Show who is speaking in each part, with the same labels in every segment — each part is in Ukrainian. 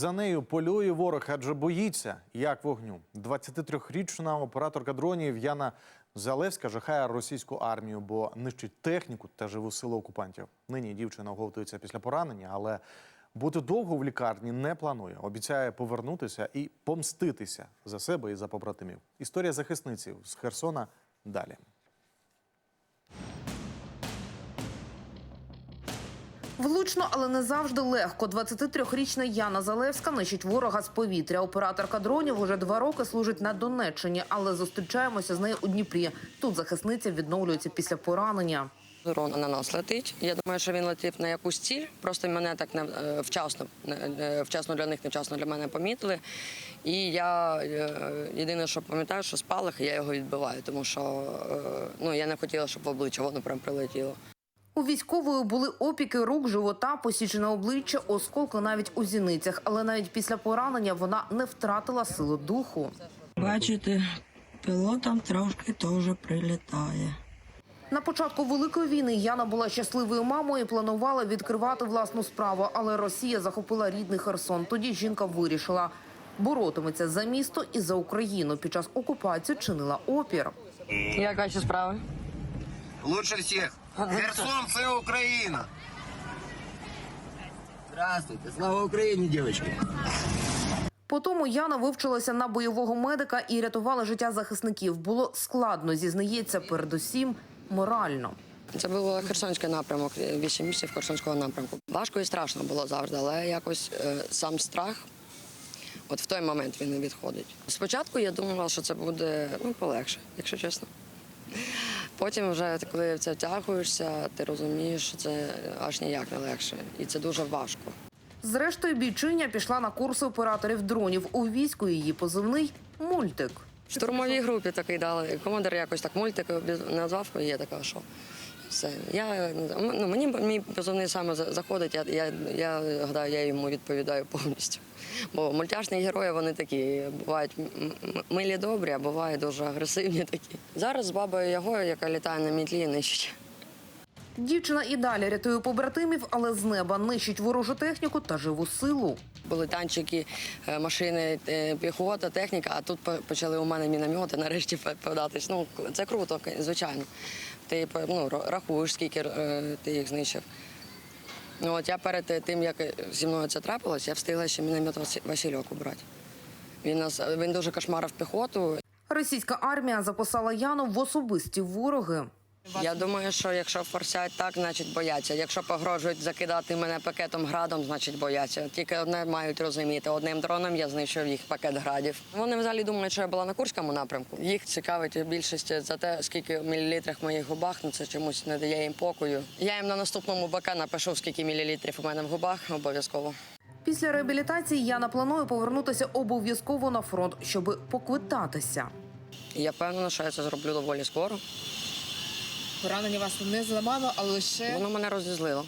Speaker 1: За нею полює ворог, адже боїться, як вогню. 23-річна операторка дронів Яна Залевська жахає російську армію, бо нищить техніку та живу силу окупантів. Нині дівчина оговтується після поранення, але бути довго в лікарні не планує. Обіцяє повернутися і помститися за себе і за побратимів. Історія захисниці з Херсона далі.
Speaker 2: Влучно, але не завжди легко. 23-річна Яна Залевська нищить ворога з повітря. Операторка дронів уже 2 роки служить на Донеччині, але зустрічаємося з нею у Дніпрі. Тут захисниця відновлюється після поранення.
Speaker 3: Дрон на нас летить. Я думаю, що він летів на якусь ціль. Просто мене так вчасно для них, невчасно для мене помітили. І я єдине, що пам'ятаю, що спалах, і я його відбиваю, тому що я не хотіла, щоб в обличчя воно прям прилетіло.
Speaker 2: У військової були опіки рук, живота, посічене обличчя, осколки навіть у зіницях. Але навіть після поранення вона не втратила силу духу.
Speaker 4: Бачите, пілотам трошки теж прилітає.
Speaker 2: На початку Великої війни Яна була щасливою мамою і планувала відкривати власну справу. Але Росія захопила рідний Херсон. Тоді жінка вирішила – боротиметься за місто і за Україну. Під час окупації чинила опір.
Speaker 3: Як ваші справи?
Speaker 5: Лучше всех. Херсон – це Україна. Здравствуйте. Слава Україні, дівчатки.
Speaker 2: Потім Яна вивчилася на бойового медика і рятувала життя захисників. Було складно, зізнається, передусім морально.
Speaker 3: Це був Херсонський напрямок, 8 місяців Херсонського напрямку. Важко і страшно було завжди, але якось сам страх, от в той момент він не відходить. Спочатку я думала, що це буде полегше, якщо чесно. Потім вже, коли в це втягуєшся, ти розумієш, що це аж ніяк не легше. І це дуже важко. Зрештою,
Speaker 2: бійчиня пішла на курси операторів дронів. У війську її позивний «Мультик».
Speaker 3: В штурмовій групі такий дали. Командир якось так «Мультик» назвав, і я така, що все. Мені мій позивний саме заходить, я гадаю, я йому відповідаю повністю. Бо мультяшні герої, вони такі, бувають милі добрі, а бувають дуже агресивні такі. Зараз з бабою Ягою, яка літає на мітлі, нищить.
Speaker 2: Дівчина і далі рятує побратимів, але з неба нищить ворожу техніку та живу силу.
Speaker 3: Були танчики, машини, піхота, техніка, а тут почали у мене міномети нарешті податись. Це круто, звичайно. Ти рахуєш, скільки ти їх знищив. Я перед тим, як зі мною це трапилось, я встигла ще міномет Васильок убрати. Він дуже кошмарив піхоту.
Speaker 2: Російська армія записала Яну в особисті вороги.
Speaker 3: Я думаю, що якщо форсять так, значить бояться. Якщо погрожують закидати мене пакетом градом, значить бояться. Тільки одне мають розуміти. Одним дроном я знищив їх пакет градів. Вони взагалі думають, що я була на Курському напрямку. Їх цікавить більшість за те, скільки в мілілітрах в моїх губах, це чомусь не дає їм покою. Я їм на наступному БК напишу, скільки мілілітрів у мене в губах, обов'язково.
Speaker 2: Після реабілітації Яна планує повернутися обов'язково на фронт, щоб поквитатися.
Speaker 3: Я впевнена, що я це зроблю доволі скоро.
Speaker 6: Поранення вас не зламало, а лише...
Speaker 3: Воно мене розізлило.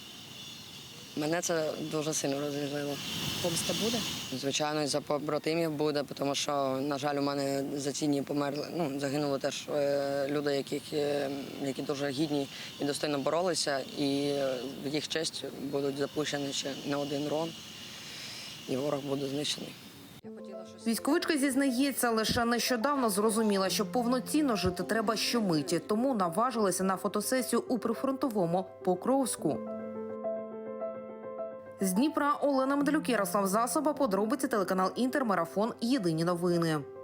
Speaker 3: Мене це дуже сильно розізлило.
Speaker 6: Помста буде?
Speaker 3: Звичайно, за побратимів буде, тому що, на жаль, у мене за ці дні померли. Загинули теж люди, які дуже гідні і достойно боролися, і в їх честь будуть запущені ще не один дрон, і ворог буде знищений.
Speaker 2: Військовичка зізнається, лише нещодавно зрозуміла, що повноцінно жити треба щомиті, тому наважилася на фотосесію у прифронтовому Покровську. З Дніпра Олена Медалюк, Ярослав Засоба, подробиці, телеканал «Інтер», марафон «Єдині новини».